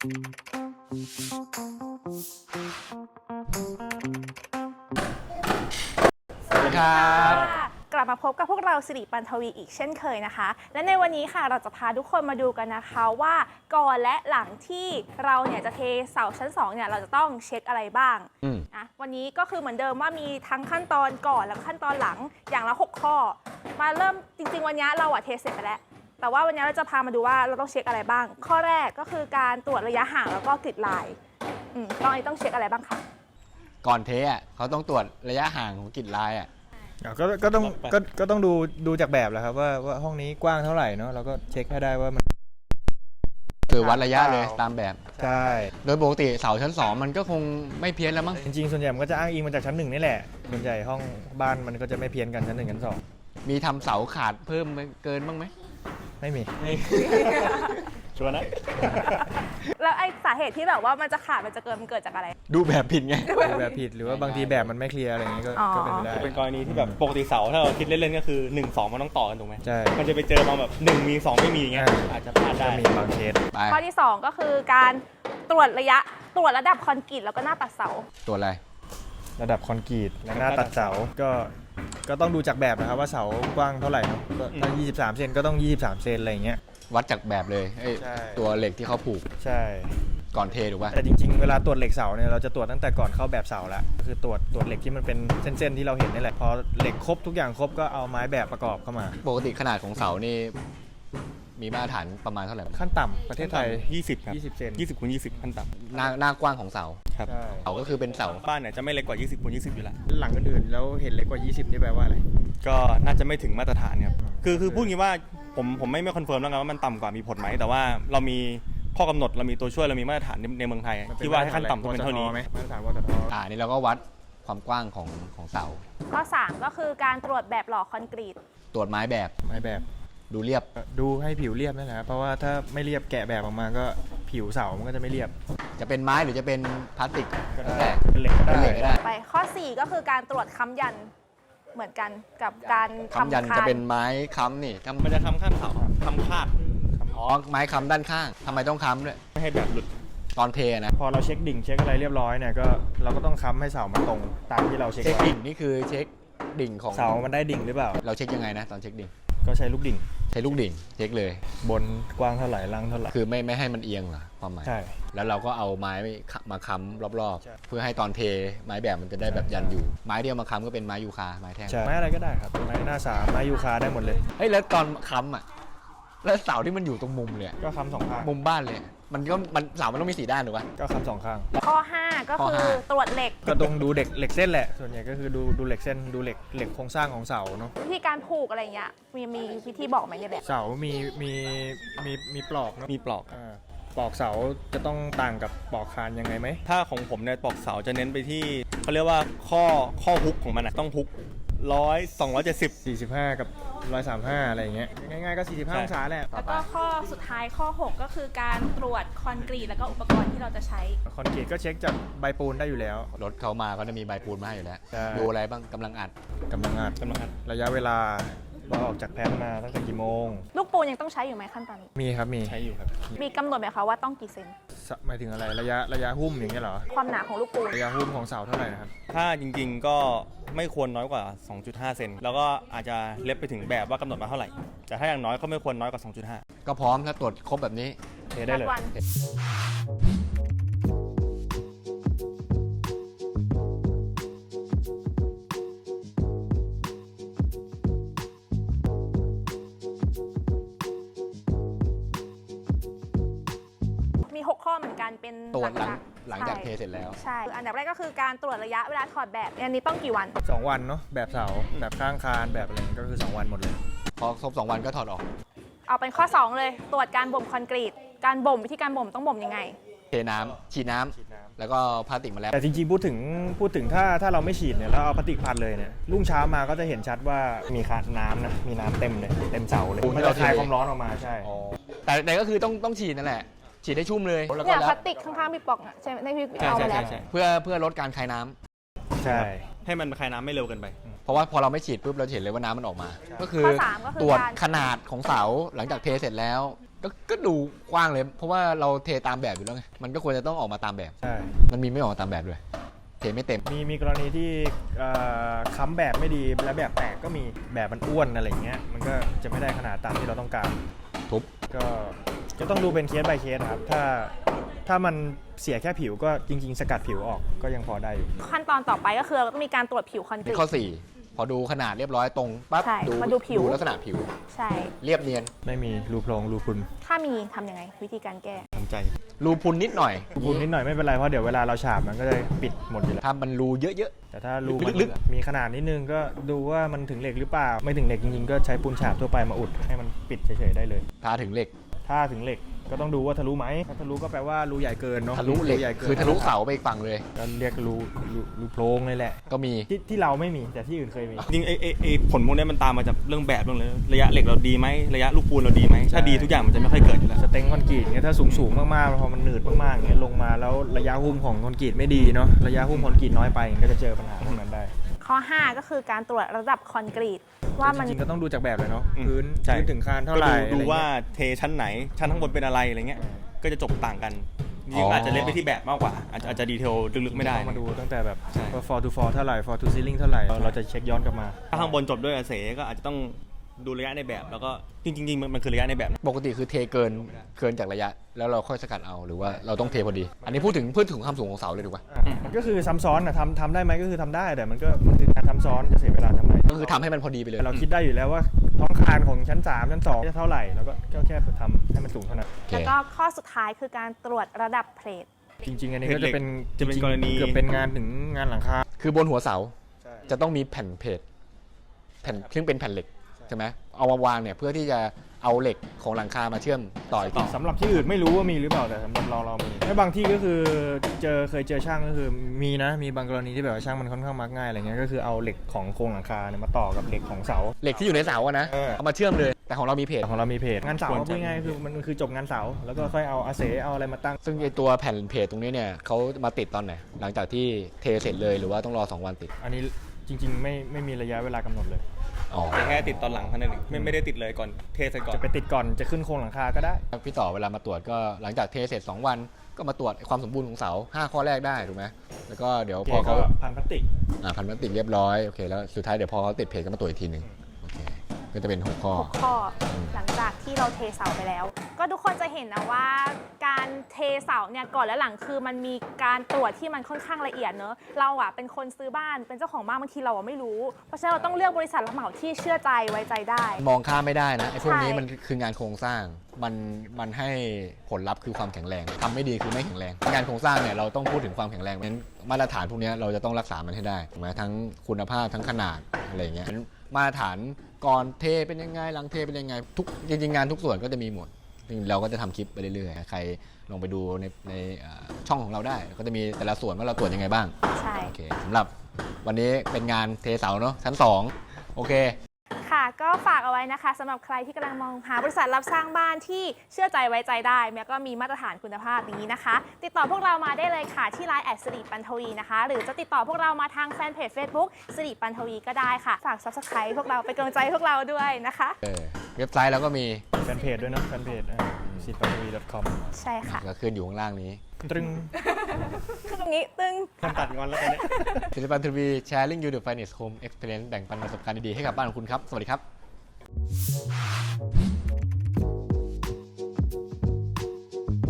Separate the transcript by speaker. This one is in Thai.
Speaker 1: สวัสดีครับ
Speaker 2: กลับมาพบกับพวกเราสิริปันทวีอีกเช่นเคยนะคะ และในวันนี้ค่ะเราจะพาทุกคนมาดูกันนะคะว่าก่อนและหลังที่เราเนี่ยจะเทเสาชั้น2เนี่ยเราจะต้องเช็คอะไรบ้างนะวันนี้ก็คือเหมือนเดิมว่ามีทั้งขั้นตอนก่อนและขั้นตอนหลังอย่างละ6ข้อมาเริ่มจริงๆวันนี้เราเทเสร็จไปแล้วแต่ว่าวันนี้เราจะพามาดูว่าเราต้องเช็คอะไรบ้างข้อแรกก็คือการตรวจระยะห่างแล้วก็กริดลายต้องเช็คอะไรบ้างคะ
Speaker 1: ก่อนเทอ่ะเขาต้องตรวจระยะห่างของกริดลายอ่ะ
Speaker 3: ก็ต้องดูจากแบบแหละครับว่าห้องนี้กว้างเท่าไหร่เนาะเราก็เช็คให้ได้ว่ามัน
Speaker 1: คือวัดระยะเลยตามแบบ
Speaker 3: ใช่
Speaker 1: โดยปกติเสาชั้น2มันก็คงไม่เพี้ยนแล้วมั้ง
Speaker 3: จริงๆส่วนใหญ่มันก็จะอ้างอิงมาจากชั้น1นี่แหละส่วนใหญ่ห้องบ้านมันก็จะไม่เพี้ยนกันชั้น1ชั้น2
Speaker 1: มีทำเสาขาดเพิ่มเกินบ้างไหม
Speaker 3: ไม่มี
Speaker 4: ชัวร์นะ
Speaker 2: แล้วไอ้สาเหตุที่แบบว่ามันจะขาดมันจะเกิดมันเกิดจากอะไร
Speaker 1: ดูแบบผิดไง
Speaker 3: ดูแบบผิดหรือว่าบางทีแบบมันไม่เคลียร์อะไรอย่างนี้ก็เป็นไปได้
Speaker 4: เป็นกรณีที่แบบปกติเสาถ้าเราคิดเล่นๆก็คือ1 2มันต้องต่อกันถูกไหม
Speaker 3: ใช่
Speaker 4: มันจะไปเจอมาแบบ1มี2ไม่มีอย่างเงี้ยอาจจะพลาดได้
Speaker 3: มีบางเคส
Speaker 2: ข้อที่2ก็คือการตรวจระดับคอนกรีตแล้วก็หน้าตัดเสา
Speaker 1: ตรวจอะไร
Speaker 3: ระดับคอนกรีตและหน้าตัดเสาก็ต้องดูจากแบบนะครับว่าเสากว้างเท่าไหร่ครับถ้า23 เซนก็ต้อง23 เซนอะไรอย่างเงี้ย
Speaker 1: วัดจากแบบเลยตัวเหล็กที่เขาผูก
Speaker 3: ใช่
Speaker 1: ก่อนเทถูกป่ะ
Speaker 3: แต่จริงๆเวลาตรวจเหล็กเสาเนี่ยเราจะตรวจตั้งแต่ก่อนเข้าแบบเสาแล้วก็คือตรวจเหล็กที่มันเป็นเส้นๆที่เราเห็นนี่แหละพอเหล็กครบทุกอย่างครบก็เอาไม้แบบประกอบเข้ามา
Speaker 1: ปกติขนาดของเสานี่มีมาตรฐานประมาณเท่าไหร่
Speaker 3: ขั้นต่ำประเทศไทย
Speaker 4: 20 ครับ
Speaker 3: 20 เซน
Speaker 4: 20 คูณ 20ขั้นต่ำ
Speaker 1: หน้ากว้างของเสา
Speaker 4: ครับ
Speaker 1: เสาก็คือเป็นเสา
Speaker 4: บ้านเนี่ยจะไม่เล็กกว่า20 คูณ 20อยู่แล้ว
Speaker 3: หลังอื่นๆแล้วเห็นเล็กกว่า20นี่แปลว่าอะไร
Speaker 4: ก็น่าจะไม่ถึงมาตรฐานครับคือพูดงี้ว่าผมไม่คอนเฟิร์มแล้วกันว่ามันต่ำกว่ามีผลไหมแต่ว่าเรามีข้อกำหนดเรามีตัวช่วยเรามีมาตรฐานในเมืองไทยที่ว่าให้ขั้นต่ำต้องเป็นเท่านี้
Speaker 3: มาตรฐานวทท.
Speaker 1: นี่เราก็วัดความกว้างของเสา
Speaker 2: ข้อ3ก็คือการตรวจแบบหล่อคอนกรีต
Speaker 1: ตรวจไม้แบบดูเรียบ
Speaker 3: ดูให้ผิวเรียบนั่นแหละเพราะว่าถ้าไม่เรียบแกะแบบออกมาก็ผิวเสามันก็จะไม่เรียบ
Speaker 1: จะเป็นไม้หรือจะเป็นพลาสติก
Speaker 3: ก็ได้เป็นเหล็กก็ได้
Speaker 2: ไปข้อ4ก็คือการตรวจค้ำยันเหมือนกันกับการ
Speaker 1: ค้ำยันจะเป็นไม้ค้ำนี่
Speaker 4: มันจะค้ำข้างเสาค้ำคาด
Speaker 1: ไม้ค้ำด้านข้างทำไมต้องค้ำด้วย
Speaker 4: ไม่ให้แบบหลุด
Speaker 1: ตอนเทนะ
Speaker 3: พอเราเช็คดิ่งเช็คอะไรเรียบร้อยเนี่ยก็เราก็ต้องค้ำให้เสามันตรงตามที่เราเช็ค
Speaker 1: ดิ่งนี่คือเช็คดิ่งของ
Speaker 3: เสามันได้ดิ่งหรือเปล่า
Speaker 1: เราเช็คยังไงนะตอนเช็คดิ่ง
Speaker 3: ก็ใช้ลูกดิ่ง
Speaker 1: เช็คเลย
Speaker 3: บนกว้างเท่าไหร่ล่างเท่าไหร่
Speaker 1: คือไม่ให้มันเอียงเหรอความหมาย
Speaker 3: ใช่
Speaker 1: แล้วเราก็เอาไม้มาค้ำรอบๆเพื่อให้ตอนเทไม้แบบมันจะได้แบบยันอยู่ไม้เดียวมาค้ำก็เป็นไม้ยูคาไม้แท่ง
Speaker 3: ไม้อะไรก็ได้ครับไม้หน้า3ไม้ยูคาได้หมดเลย
Speaker 1: แล้วตอนค้ำอ่ะแล้วเสาที่มันอยู่ตรงมุมเลย
Speaker 3: ก็ค้ำ2 ข้าง
Speaker 1: มุมบ้านเลยมันเสามันต้องมี4 ด้านถูกป่ะ
Speaker 3: ก็ค้ำ2 ข้าง
Speaker 2: ข้อ5ก็คือตรวจเหล็ก
Speaker 3: ก็ต้องดูเหล็กเส้นแหละส่วนใหญ่ก็คือดูเหล็กเส้นดูเหล็กโครงสร้างของเสาเนาะ
Speaker 2: วิธีการผูกอะไรเงี้ยมีวิธีบอกไหมในแบบ
Speaker 3: เสามีปลอกเนาะ
Speaker 4: มีปลอก
Speaker 3: ปลอกเสาจะต้องต่างกับปลอกคานยังไงไหม
Speaker 4: ถ้าของผมเนี่ยปลอกเสาจะเน้นไปที่เขาเรียกว่าข้อฮุกของมันต้องฮุก270
Speaker 3: 45กับ135อะไรอย่างเงี้ยง่ายๆก็45 องศาแหละ
Speaker 2: แล้วก็ข้อสุดท้ายข้อ6ก็คือการตรวจคอนกรีตแล้วก็อุปกรณ์ที่เราจะใช้
Speaker 3: คอนกรีตก็เช็คจากใบปูนได้อยู่แล้ว
Speaker 1: รถเขามาก็จะมีใบปูนมาให้อยู่แล้วดูอะไรบ้างกำลังอัด
Speaker 3: ระยะเวลาเราออกจากแพนมาตั้งแต่กี่โมง
Speaker 2: ลูกปูนยังต้องใช้อยู่ไหมขั้นตอนนี้
Speaker 3: มีครับมี
Speaker 4: ใช้อยู่ครับ
Speaker 2: มีกำหนดไหมคะว่าต้องกี่เซน
Speaker 3: หมายถึงอะไรระยะหุ้มอย่างเงี้ยเหรอ
Speaker 2: ความหนาของลูกปูน
Speaker 3: ระยะหุ้มของเสาเท่าไหร่นะครับ
Speaker 4: ถ้าจริงๆก็ไม่ควรน้อยกว่า 2.5 เซนแล้วก็อาจจะเล็บไปถึงแบบว่ากำหนดมาเท่าไหร่แต่ถ้าอย่างน้อยก็ไม่ควรน้อยกว่า 2.5
Speaker 1: ก็พร้อมถ้าตรวจครบแบบนี้
Speaker 3: เทได้เลย
Speaker 2: 6 ข้อเหมือนกันเป็น
Speaker 1: ตรวจหลังจากเทเสร็จแล้ว
Speaker 2: ใช่อันดับแรกก็คือการตรวจระยะเวลาถอดแบบอันนี้ต้องกี่วัน
Speaker 3: 2 วันเนาะแบบเสาแบบข้างคานแบบอะไรก็คือ2 วันหมดเลย
Speaker 1: พอครบ2 วันก็ถอดออก
Speaker 2: เอาเป็นข้อ2เลยตรวจการบ่มคอนกรีตการบ่มวิธีการบ่มต้องบ่มยังไง
Speaker 1: เทน้ำฉีดน้ำแล้วก็พลาสติกมาแล้ว
Speaker 3: แต่จริงๆพูดถึงถ้าเราไม่ฉีดเนี่ยแล้วเอาพลาสติกพันเลยเนี่ยรุ่งเช้ามาก็จะเห็นชัดว่ามีน้ำนะมีน้ำเต็มเลยเต็มเสาเลยมันจะคายความร้อนออกมาใช่
Speaker 1: แต่ก็คือต้องฉีดนั่นแหละฉีดให้ชุ่มเลย
Speaker 2: เนี่ยพลาสติกข้างๆพี่ปอกใช่ไหมในพี่เอามาแล้ว
Speaker 1: เพื่อลดการคายน้
Speaker 3: ำใช่
Speaker 4: ให้มันคายน้ำไม่เร็วเกินไป
Speaker 1: เพราะว่าพอเราไม่ฉีดปุ๊บเราเห็นเลยว่าน้ำมันออกมาก็คือตรวจขนาดของเสาหลังจากเทเสร็จแล้วก็ดูกว้างเลย เพราะว่าเราเทตามแบบอยู่แล้วไงมันก็ควรจะต้องออกมาตามแบบ
Speaker 3: ใช่
Speaker 1: มันมีไม่ออกมาตามแบบด้วยเทไม่เต็ม
Speaker 3: มีกรณีที่ค้ำแบบไม่ดีแล้วแบบแตกก็มีแบบมันอ้วนอะไรเงี้ยมันก็จะไม่ได้ขนาดตามที่เราต้องการ
Speaker 1: ทุบ
Speaker 3: ก็ต้องดูเป็นเคส by เคสครับถ้ามันเสียแค่ผิวก็จริงๆ สกัดผิวออกก็ยังพอได้อยู่
Speaker 2: ขั้นตอนต่อไปก็คือเราต้องมีการตรวจผิวคอนกรี
Speaker 1: นี่
Speaker 2: ต
Speaker 1: ข้อ 4 พอดูขนาดเรียบร้อยตรงปั๊บ
Speaker 2: ใช่มาดูผิว
Speaker 1: ลักษณะผิว
Speaker 2: ใช่
Speaker 1: เรียบเนียน
Speaker 3: ไม่มีรูโพรงรูพุน
Speaker 2: ถ้ามีทำยังไงวิธีการแก้
Speaker 3: ทำใจ
Speaker 1: รูพุนนิดหน่อย
Speaker 3: รูพุนนิดหน่อยไม่เป็นไรเพราะเดี๋ยวเวลาเราฉาบมันก็จะปิดหมดอยู่แล้ว
Speaker 1: ถ้ามันรูเยอะ
Speaker 3: แต่ถ้ารูมัน
Speaker 1: ลึก
Speaker 3: มีขนาดนิดนึงก็ดูว่ามันถึงเหล็กหรือเปล่าไม่ถึงเหล็กจริงๆก็ใช้ปูนฉาบทั่วไปมาอุดให้มันปิดเฉยๆได้เลย
Speaker 1: ๆถ้าถึงเหล็ก
Speaker 3: ถ้าถึงเหล็กก็ต้องดูว่าทะลุไหมถ้าทะลุก็แปลว่ารูใหญ่เกินเนาะ
Speaker 1: ทะลุเหล็ก
Speaker 3: รูใญ่กิน
Speaker 1: คือทะลุเสาไปอีกฝั่งเลย
Speaker 3: ก็เรียกรูโพรงเลยแหละ
Speaker 1: ก็มี
Speaker 3: ที่เราไม่มีแต่ที่อื่นเคยมี
Speaker 4: จริงไอ้ผลพวกนี้มันตามมาจากเรื่องแบบเรื่องเลยระยะเหล็กเราดีไหมระยะลูกปูนเราดีไหมถ้าดีทุกอย่างมันจะไม่ค่อยเกิดอยู่แล้ว
Speaker 3: สเต็งคอนกรีตเงี้ยถ้าสูงมากๆพอมันหนืดมากๆเงี้ยลงมาแล้วระยะหุ้มของคอนกรีตไม่ดีเนาะระยะหุ้มคอนกรีตน้อยไปก็จะเจอปัญหาพวกนั้นได้
Speaker 2: ข้อ 5 ก็คือการตรวจระดับคอนกรีตว่ามัน
Speaker 3: จริงๆก็ต้องดูจากแบบเลยเนาะ
Speaker 4: อืม
Speaker 3: พื้น
Speaker 4: ใช่
Speaker 3: ถึงคานเท่าไหร่
Speaker 4: ก็ดูว่า
Speaker 3: อะไรเงี้ย
Speaker 4: เทชั้นไหนชั้นข้างบนเป็นอะไรอะไรเงี้ยก็จะจบต่างกันจริงๆอาจจะเล่นไปที่แบบมากกว่าอาจจะดีเทลลึกๆไม่ได้
Speaker 3: ต้องมาดูตั้งแต่แบบ
Speaker 4: ใช่
Speaker 3: ว่า for to for เท่าไหร่ for to ceiling เท่าไหร่เราจะเช็คย้อนกลับมา
Speaker 4: ถ้าข้างบนจบด้วยเสก็อาจจะต้องดูระยะในแบบแล้วก็จริงๆมันคือระยะในแบบนะ
Speaker 1: ปกติคือเทเกินจากระยะ แล้วเราค่อยสกัดเอาหรือว่าเราต้องเทพอดี อันนี้พูดถึงความสูงของเสาเลยถูกปะ
Speaker 3: มันก็คือซ้ำซ้อนนะทำได้ไหมก็คือทำได้แต่มันคือการซ้ำซ้อนจะเสียเวลาทำไม
Speaker 1: ก็คือทำให้มันพอดีไปเลย
Speaker 3: เราคิดได้อยู่แล้วว่าท้องคานของชั้น 3 ชั้น 2 จะเท่าไหร่แล้วก็แค่ทำให้มันสูงเท่านั้น
Speaker 1: โอเค
Speaker 2: แล้วก็ข้อสุดท้ายคือการตรวจระดับเพลท
Speaker 3: จริงๆอันนี้ก็จะเป็น
Speaker 4: จะเป็นกรณี
Speaker 3: เกือบเป็นงานถึงงานหลังคา
Speaker 1: คือบนหัวเสาจะต้องมีแผ่นเพจแผ่นซึ่งเป็นแผ่นเหล็กใช่ไหมเอามาวางเนี่ยเพื่อที่จะเอาเหล็กของหลังคามาเชื่อมต่ออีกที
Speaker 3: สำหรับที่อื่นไม่รู้ว่ามีหรือเปล่าแต่สำหรับเรามีและบางที่ก็คือเคยเจอช่างก็คือมีบางกรณีที่แบบว่าช่างมันค่อนข้างมักง่ายอะไรเงี้ยก็คือเอาเหล็กของโครงหลังคาเนี่ยมาต่อกับเหล็กของเสา
Speaker 1: เหล็กที่อยู่ในเสาอะนะ เอามาเชื่อมเลย แต่ของเรามีเพจ
Speaker 3: ของเรามีเพจงานเสา
Speaker 4: ควรจะ
Speaker 3: พูดง่ายๆคือมันคือจบงานเสาแล้วก็ค่อยเอาอาเสเอาอะไรมาตั้ง
Speaker 1: ซึ่งไอตัวแผ่นเพจตรงนี้เนี่ยเขามาติดตอนไหนหลังจากที่เทเสร็จเลยหรือว่าต้องรอ2 วันติด
Speaker 3: อันนี้จริงๆไม่มีระยะเวลากำหนดเลย
Speaker 1: อ๋อ
Speaker 4: แต่แค่ติดตอนหลังเท่านั้นเองไม่ได้ติดเลยก่อนเทเสร็จก่อน
Speaker 3: จะไปติดก่อนจะขึ้นโครงหลังคาก็ได้
Speaker 1: พี่ต่อเวลามาตรวจก็หลังจากเทเสร็จ2 วันก็มาตรวจความสมบูรณ์ของเสา5 ข้อแรกได้ถูกไหมแล้วก็เดี๋ยวพอเขา
Speaker 3: พันพลาสติก
Speaker 1: พันพลาสติกเรียบร้อยโอเคแล้วสุดท้ายเดี๋ยวพอเขาติดเพจก็มาตรวจอีกทีหนึ่งโอเคก็จะเป็น6 ข้อ
Speaker 2: 6 ข้อหลังจากที่เราเทเสาไปแล้ว ก็ทุกคนจะเห็นนะว่าการเทเสาเนี่ยก่อนและหลังคือมันมีการตรวจที่มันค่อนข้างละเอียดเนอะเราอะเป็นคนซื้อบ้านเป็นเจ้าของบ้านบางทีเราอะไม่รู้เพราะฉะนั้นเราต้องเลือกบริษัทรับเหมาที่เชื่อใจไว้ใจได้
Speaker 1: มองข้ามไม่ได้นะไอ้พวกนี้
Speaker 2: ใช่
Speaker 1: มันคืองานโครงสร้างมันให้ผลลัพธ์คือความแข็งแรงทำไม่ดีคือไม่แข็งแรงงานโครงสร้างเนี่ยเราต้องพูดถึงความแข็งแรงเพราะฉะนั้นมาตรฐานพวกนี้เราจะต้องรักษามันให้ได้ถูกไหมทั้งคุณภาพทั้งขนาดอะไรอย่างเงี้ยมาตรฐานก่อนเทเป็นยังไงหลังเทเป็นยังไงทุกจริงๆงานทุกส่วนก็จะมีหมดเราก็จะทำคลิปไปเรื่อยๆใครลองไปดูในช่องของเราได้ก็จะมีแต่ละส่วนว่าเราตรวจยังไงบ้าง
Speaker 2: ใช่
Speaker 1: โอเคสำหรับวันนี้เป็นงานเทเสาเนาะชั้น2โอเค
Speaker 2: ค่ะก็ฝากเอาไว้นะคะสำหรับใครที่กำลังมองหาบริษัทรับสร้างบ้านที่เชื่อใจไว้ใจได้แล้วก็มีมาตรฐานคุณภาพนี้นะคะ ติดต่อพวกเรามาได้เลยค่ะที่ Line สิริปันทวีนะคะหรือจะติดต่อพวกเรามาทางแฟนเพจ Facebook สิริปันทวีก็ได้ค่ะฝาก Subscribe พวกเราเป็นกำลังใจให้พวกเราด้วยนะคะ
Speaker 1: เว็บไซต์เราก็มี
Speaker 3: แฟนเพจด้วยนะแฟนเพจsitpanthavi.com
Speaker 2: ใช่ค่ะ
Speaker 1: ก็ขึ้นอยู่ข้างล่างนี้
Speaker 3: ตรึง
Speaker 2: คือตรงนี้ตึง
Speaker 4: ตัดงอนแล้วตอนนี้
Speaker 1: ศิลปันทีวี sharing you the finest home experience แบ่งปันประสบการณ์ดีๆให้กับบ้านของคุณครับ สวัสดีครับ